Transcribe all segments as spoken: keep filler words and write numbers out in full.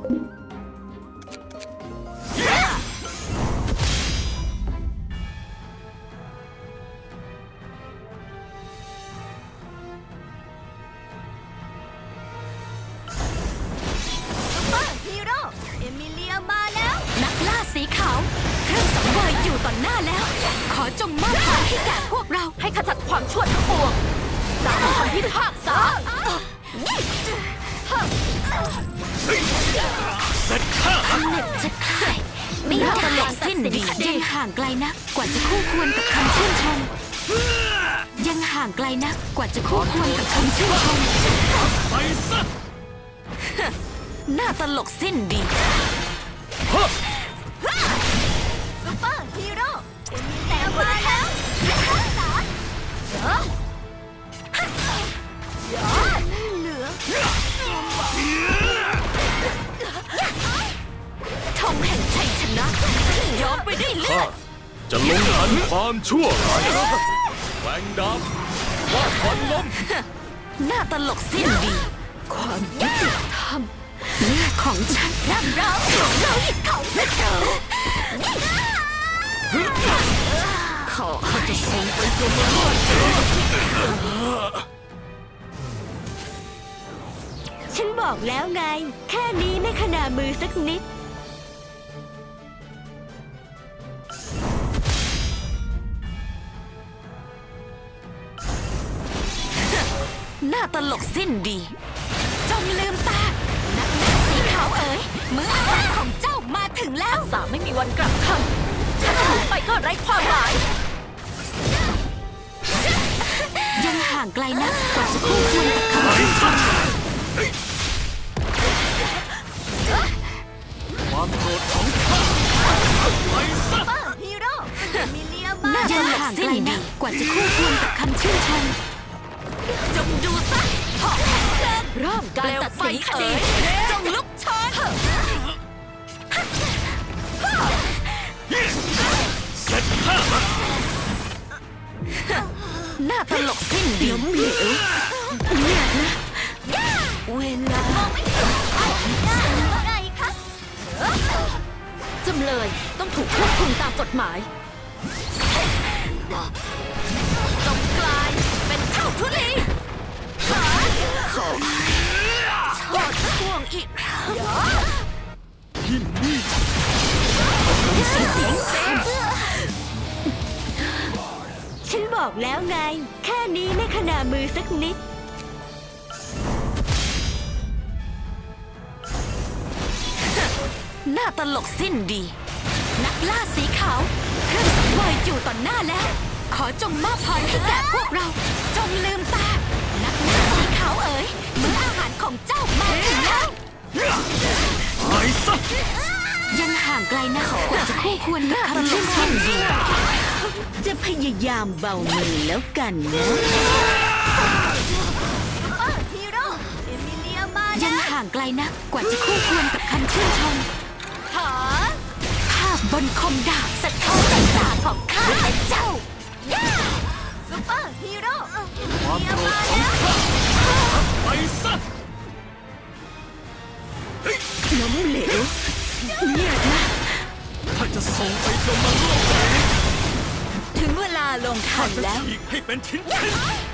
สีขาวเครื่องสังเวยอยู่ต่อหน้าแล้วขอจงมอบพรให้แก่พวกเราให้ขจัดความชั่วทั้งปวงตามคำพิพากษาเสร็จข้าเหน็บจะคลายไม่ได้ตลอดสิ้นดียังห่างไกลนักกว่าจะคู่ควรกับคำชื่นชมยังห่างไกลนักกว่าจะคู่ควรกับคำชื่นชมไปซะหน้าตลกสิ้นดีซุปเปอร์ฮีโร่แต่มาแล้วเหลือธงแห่งชัยชนะย้อมไปด้วยเลือดจะลงทันความชั่วร้ายแหวงดาบว่าควันลมหน้าตลกสิ้นดีความยุติธรรมเลือดของฉันน้ำร้อนเราหิดของเธอขอเขาจะส่งไปจนหมดฉันบอกแล้วไงแค่นี้ไม่ขนามือสักนิดหน้าตลกสิ้นดีจงลืมตานักเล่นสีขาวเอ๋ยมื้ออาหารของเจ้ามาถึงแล้วสาไม่มีวันกลับคำถ้าถูกไปก็ไร้ความหมายยังห่างไกลนักกว่าจะคู่ควรกับคำชื่นชมความโกรธของข้าไปซะฮีโร่มิเลียมายังห่างไกลนักกว่าจะคู่ควรกับคำชื่นชมจงดูซะหอกแห่งเพลิงเริ่มการตัดสินคดีจงลุกโชนเสร็จข้าหน้าตลกสิ้นดีล้มเหลวเนี่ยนะเวลาอะไรคะจำเลยต้องถูกควบคุมตามกฎหมายจงกลายเป็นเท่าทุลีขอโทษช่วงอีกครั้งยินดีฉันบอกแล้วไงแค่นี้ไม่ขนามือสักนิดหน้าตลกสิ้นดีนักล่าสีขาวเครื่องสังเวยอยู่ต่อหน้าแล้วขอจงมอบพรให้แก่พวกเราจงลืมตานักล่าสีขาวเอ๋ยมื้ออาหารของเจ้ามาถึงแล้วไปซะยังห่างไกลนักกว่าจะคู่ควรกับคำชื่นชมดีจะพยายามเบามือแล้วกันนะฮีโร่เอมิเลียมายังห่างไกลนักกว่าจะคู่ควรกับคำชื่นชมหาภาพบนคมดาบสะท้อนแสงตาของข้าและเจ้าซุปเปอร์ฮีโร่ความโกรธของข้าไปซะล้มเหลวเนี่ยนะถ้าจะส่งไปจนมันโลกถึงเวลาลงทันแล้วอีกให้เป็นชิ้นชิ้น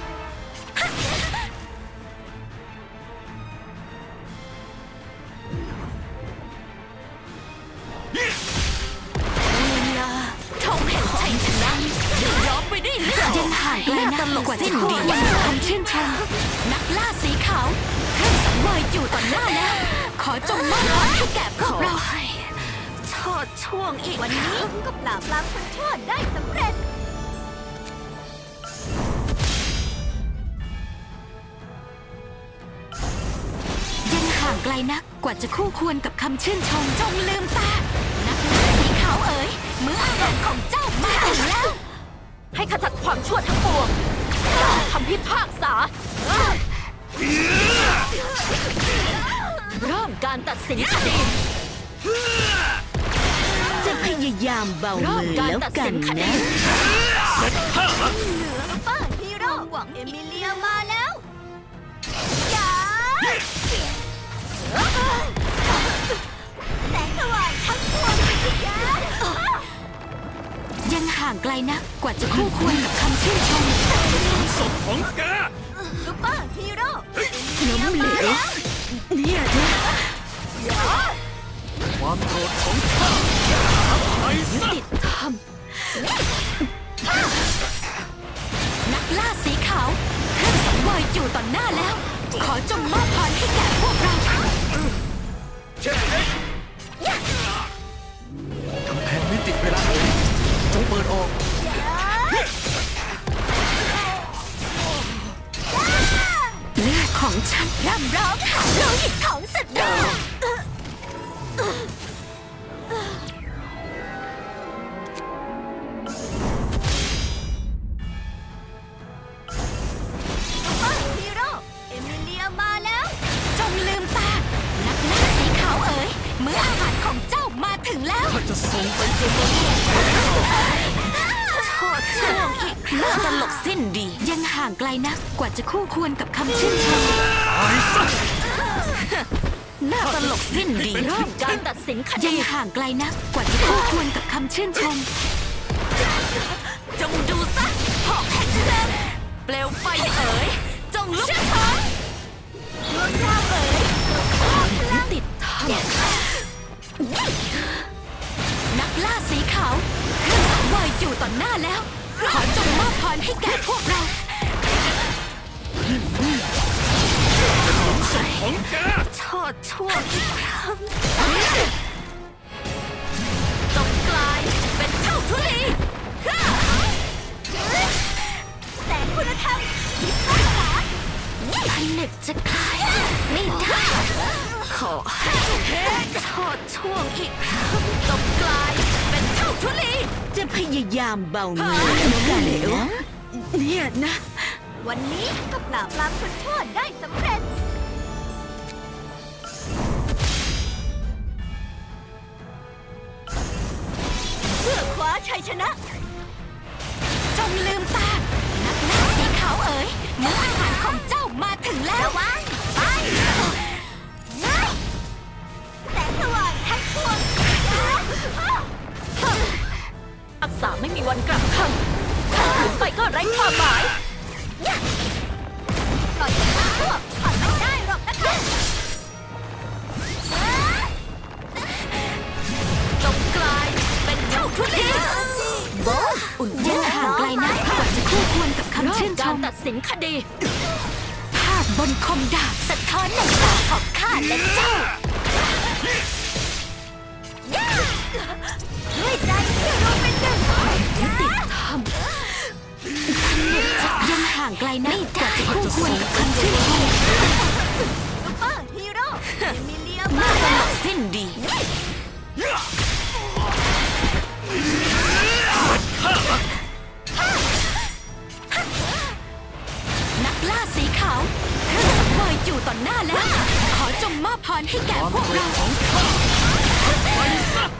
เวลาธงแห่งชัยชนะย้อมไปด้วยเลือดยังห่างไกลนักกว่าสิ้นดีคำชื่นชมนักล่าสีขาวเครื่องสังเวยอยู่ต่อหน้าแล้วขอจงมอบพรให้แก่พวกเราโทษช่วงอีกวันนี้ก็ปราบปรามคนชั่วได้สำเร็จยังห่างไกลนักกว่าจะคู่ควรกับคำชื่นชมจงลืมตานักล่าสีขาวเอ๋ยมื้ออาหารของเจ้ามาถึงแล้วให้ขจัดความชั่วทั้งปวงคำพิพากษาเริ่มการตัดสินคดีจะพยายามเบามือแล้วกันนะเสร็จข้าซุปเปอร์ฮีโร่หวังเอมิเลียมาแล้วอย่าลนะกว่าจะคู่ควรกับคำชื่นชมศพของแกซูเปอร์ฮีโร่ล้มเหลวเนี่ยนะความโกรธของข้าไปซะติดธรรมนักล่าสีขาวเครื่องสังเวยอยู่ต่อหน้าแล้ว ขอจงมอบพรให้แก่พวกเรากำแพงมิติเวลาจงเปิดออกเลือดของฉันร่ำร้องหาโลหิตของศัตรูซูเปอร์ฮีโร่เอมิเลียมาแล้วจงลืมตา นักล่าสีขาวเอ๋ยมื้ออาหารของเจ้ามาถึงแล้วข้าจะส่งไปจนวันโทษช่วงอีกน่าตลกสิ้นดี ยังห่างไกลนะกว่าจะคู่ควรกับคำชื่นชมตายซะน่าตลกสิ้นดีเริ่มการตัดสินคดียังห่างไกลนะกว่าจะคู่ควรกับคำชื่นชม จงดูซะหอกแห่งเพลิงเปลวไฟเอ๋ยจงลุกโชนดวงดาวเอ๋ยติดทองนักล่าสีขาวเครื่องสังเวยอยู่ต่อหน้าแล้ว ขอจงมอบพรให้แก่พวกเราศพของแกโทษชั่วอีกครั้งจงกลายเป็นเท่าทุลีแต่คุณธรรมพิทักษ์ษาผนึกจะคลายไม่ได้ขอให้โทษช่วงอีกครั้งจงกลายเป็นเท่าทุลี จะพยายามเบาเนื้อกันนะเนี่ยนะวันนี้ก็ปราบปรามคนชั่วได้สำเร็จ เพื่อคว้าชัยชนะจงลืมตา นักล่าสีขาวเอ๋ยมื้ออาหารของเจ้ามาถึงแล้วระวังไปง่ายแสงสว่างทั้งปวงอักษาไม่มีวันกลับคำถ้าขืนไปก็ไร้ความหมายปล่อยให้คนชั่วผ่านไม่ได้หรอกนะคะจงกลายเป็นเท่าทุลีโบอุ่นยังห่างไกลนะกว่าจะคู่ควรกับคำชื่นชมตัดสินคดี ภาพบนคมดาบสะท้อนในตาของข้าและเจ้าด้วยใจที่รวมเป็นหนึ่งติดธรรมยังห่างไกลนะกว่าจะคู่ควรกับคำชื่นชมซูเปอร์ฮีโร่เอมิเลียน่ามาตแล้ลวกสิ้นดี นักล่าสีขาวเครื่องสังเวยอยู่ต่อหน้าแล้ว ขอจงมอบพรให้แก่พวกเราของข้าไปซะ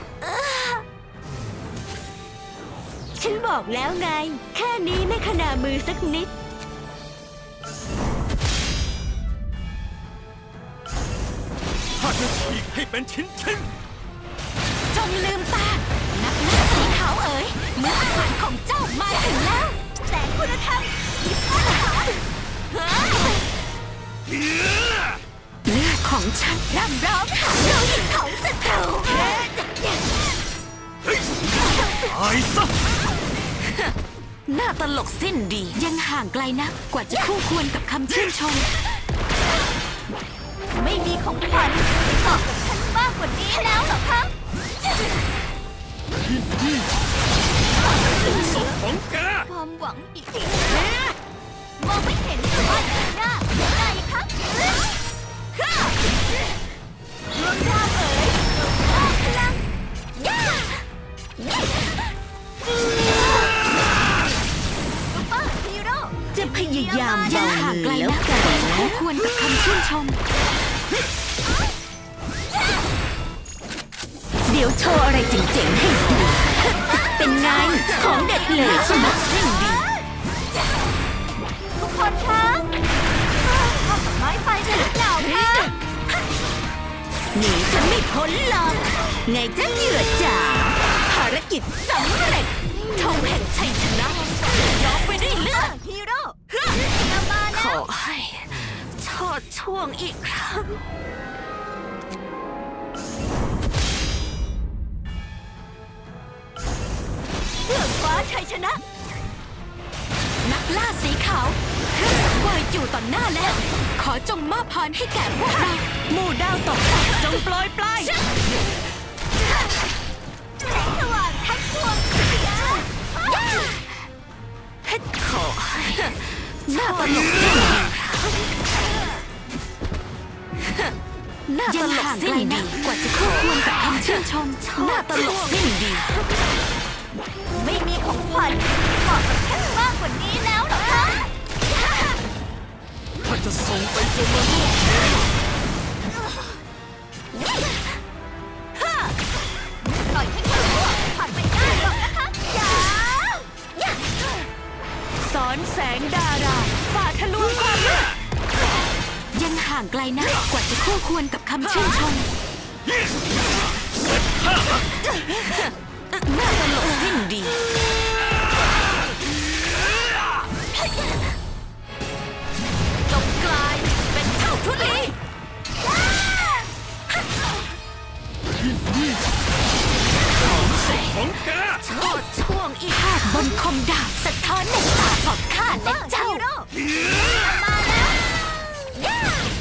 ฉันบอกแล้วไง แค่นี้ไม่ขนามือสักนิดข้าจะฉีกให้เป็นชิ้นชิ้นจงลืมตา นักล่าสีขาวเอ๋ยมื้ออาหารของเจ้ามาถึงแล้วแสงคุณธรรมพิทักษ์ษาเลือดของฉันร่ำร้องหาโลหิตของศัตรูตายซะน่าตลกสิ้นดี ยังห่างไกลนะกว่าจะคู่ควรกับคำชื่นชมไม่มีของขวัญตอบกับฉันมากกว่านี้แล้วเหรอคะศพของแกความหวังอีกแล้วมองไม่เห็นแต่ว่าอยู่หน้ายังไงคะดวงดาวเอ๋ยออกพลังซูเปอร์ฮีโร่จะพยายามยังห่างไกลนะกว่าจะคู่ควรกับคำชื่นชม เดี๋ยวโชว์อะไรเจ๋งๆให้ดู เป็นไง ของเด็ดเลยใช่ไหมสิ้นดีทุกคนคะเข้ากับไม้ไฟใช่หรือเปล่าคะหนีฉันไม่พ้นหรอก ไงจะเหยื่อจ๋าภารารกิจสำเร็จธงแห่งชัยชนะยอมไปด้วยเลือดฮีโร่เฮ้อเอามาขแล้วอให้ชอดช่วงอีกครั้งเพื่อคว้าชัยชนะนักล่าสีขาวเครื่องสังเวยอยู่ต่อหน้าแล้ว ขอจงมอบพรให้แก่พวกเราหมู่ดาวตกจงโปรยปลายแสงสว่างทั้งปวงเพชรขอให้หน้าตลกสิ้นดีหน้าตลกสิ้นดีกว่าจะคู่ควรกับคำชื่นชมหน้าตลกสิ้นดีไม่มีของขวัญเหมาะกับฉันมากกว่านี้แล้วเหรอคะถ้าจะส่งไปจนมาโลกปล่อยให้เขาผ่านไปได้หรอกนะคะอย่าสอนแสงดาราฝ่าทะลวงความมืดยังห่างไกลนะกว่าจะคู่ควรกับคำชื่นชมหน้าตลกสิ้นดี จงกลายเป็นเท่าทุลีของแกชอดช่วงอีกภาพบนคมดาบสะท้อนในตาของข้าและเจ้าฮีโร่มาแล้วย่า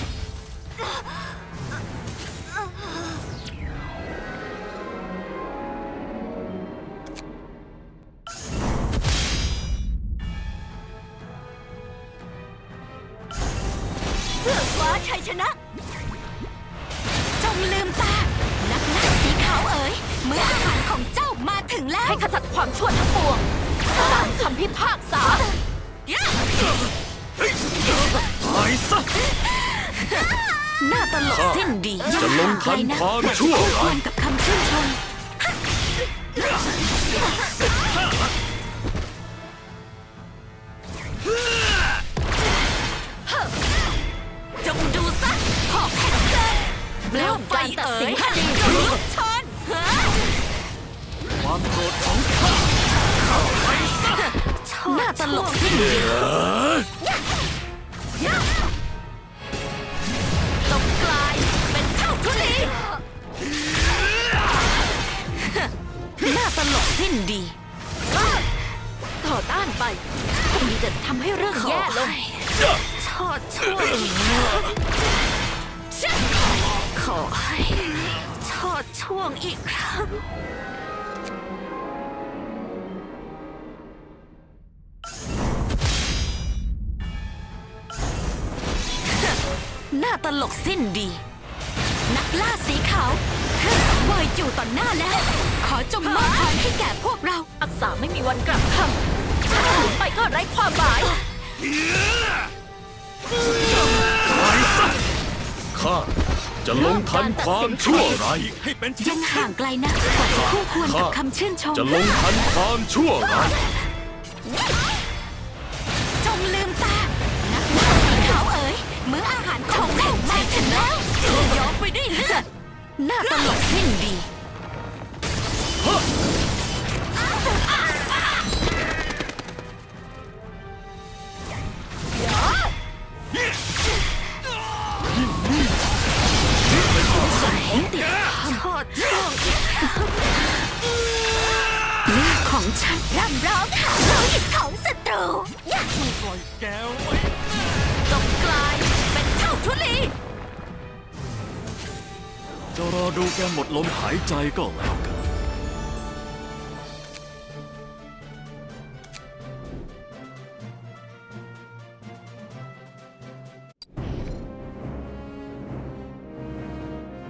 เพื่อคว้าชัยชนะจงลืมตา นักล่าสีขาวเอ๋ยเมื่ออาหารของเจ้ามาถึงแล้ว ให้ขจัดความชั่วทั้งปวงตามคำพิพากษาตายซะหน้าตลกสิ้นดีจะลงทันความชั่วคู่ควรกับคำชื่นชม จงดูซะหอกแห่งเกิดเปลวไฟเอ๋ยจงลุกชนความโกรธของข้าหน้าตลกสิ้นดีจงกลายเป็นเท่าทุลีหน้าตลกสิ้นดีต่อต้านไปคงมีแต่ทำให้เรื่องแย่ลงชอดช่วยขอให้ชอดช่วงอีกครั้ง หน้าตลกสิ้นดี นักล่าสีขาวเครื่องสังเวยอยู่ต่อหน้าแล้ว ขอจงมอบพรให้แก่พวกเรา อักษาไม่มีวันกลับคำถ้าขืนไปก็ไร้ความหมายตายซะข้าจะลงทันความชั่วร้ายให้เป็นยังห่างไกลนะกว่าจะคู่ควรกับคำชื่นชมจะลงทันความชั่วร้ายจงลืมตา นักล่าสีขาวเอ๋ยมื้ออาหารของเจ้ามาถึงแล้วยอมไปด้วยเลือด หน้าตลกสิ้นดี ชอดช่วงอีกครั้งเลือดของฉันร่ำร้องหาโลหิตของศัตรูย่าปล่อยแกไว้จงกลายเป็นเท่าทุลีจะรอดูแกหมดลมหายใจก็แล้วกัน